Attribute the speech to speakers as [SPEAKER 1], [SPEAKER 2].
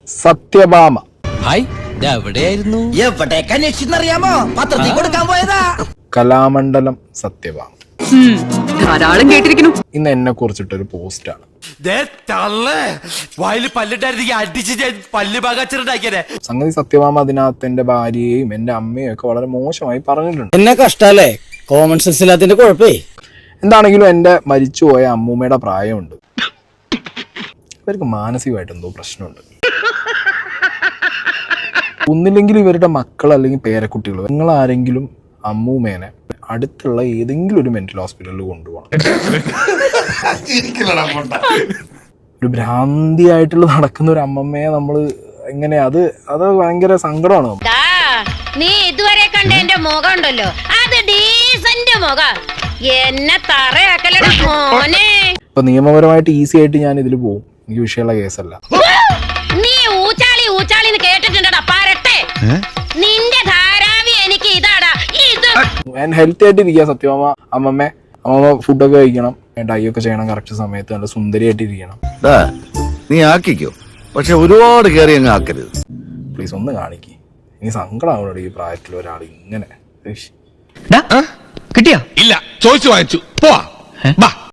[SPEAKER 1] Satyabhama.
[SPEAKER 2] Hi, എവിടെയായിരുന്നു?
[SPEAKER 3] എവിടേക്ക് അന്വേഷിച്ചെന്നറിയാമോ? പത്രത്തിൽ കൊടുക്കാൻ പോയതാ.
[SPEAKER 1] കലാമണ്ഡലം സത്യഭാമ
[SPEAKER 4] ധാരാളം കേട്ടിരിക്കുന്നു.
[SPEAKER 1] ഇന്ന് എന്നെ കുറിച്ചിട്ടൊരു പോസ്റ്റാണ്. സംഗതി സത്യഭാമ അതിനകത്ത് എന്റെ ഭാര്യയെയും എന്റെ അമ്മയും ഒക്കെ വളരെ മോശമായി പറഞ്ഞിട്ടുണ്ട്.
[SPEAKER 3] എന്നെ കഷ്ടല്ലേ, കോമൺ സെൻസ് ഇല്ലാത്തതിന്റെ കുഴപ്പേ.
[SPEAKER 1] എന്താണെങ്കിലും എന്റെ മരിച്ചുപോയ അമ്മൂമ്മയുടെ പ്രായമുണ്ട്. ഇവർക്ക് മാനസികമായിട്ട് എന്തോ പ്രശ്നമുണ്ട്. ഒന്നില്ലെങ്കിൽ ഇവരുടെ മക്കൾ അല്ലെങ്കിൽ പേരക്കുട്ടികൾ, നിങ്ങൾ ആരെങ്കിലും അമ്മൂമ്മേനെ അടുത്തുള്ള ഏതെങ്കിലും ഒരു മെന്റൽ ഹോസ്പിറ്റലിൽ കൊണ്ടുപോകണം. ഒരു ഭ്രാന്തിയായിട്ടുള്ള നടക്കുന്ന ഒരു അമ്മമ്മയെ നമ്മൾ എങ്ങനെ അത് ഭയങ്കര സങ്കടമാണ്.
[SPEAKER 5] നീ ഇതുവരെ കണ്ട എന്റെ മുഖം ഉണ്ടല്ലോ, അത് ഡീസന്റ് മുഖം. എന്നെ തറയാക്കലടാ മോനെ.
[SPEAKER 1] ഇപ്പൊ നിയമപരമായിട്ട് ഈസി ആയിട്ട് ഞാൻ ഇതിൽ പോകും, എനിക്ക് വിഷയമുള്ള കേസല്ല.
[SPEAKER 5] നീ ഊച്ചാളി കേട്ടിട്ടുണ്ടടാ പാരട്ടെ. നിന്റെ ധാരാവി എനിക്ക് ഇതാടാ ഇത്.
[SPEAKER 1] ഞാൻ ഹെൽത്തി ആയിട്ട് ഇരിക്കുക സത്യമാമ. അമ്മമ്മ ഫുഡൊക്കെ കഴിക്കണം, ഡൈ ഒക്കെ ചെയ്യണം, കറക്റ്റ് സമയത്ത് നല്ല സുന്ദരിയായിട്ട് ഇരിക്കണം.
[SPEAKER 6] നീ ആക്കിക്കോ, പക്ഷെ ഒരുപാട് കയറി അങ്ങ് ആക്കരുത്
[SPEAKER 1] പ്ലീസ്. ഒന്ന് കാണിക്ക്, ഇനി സങ്കടമാവണോ ഈ പ്രായത്തിൽ ഒരാൾ ഇങ്ങനെ.
[SPEAKER 2] കിട്ടിയാ?
[SPEAKER 7] ഇല്ല, ചോദിച്ചു വാങ്ങിച്ചു. പോവാ.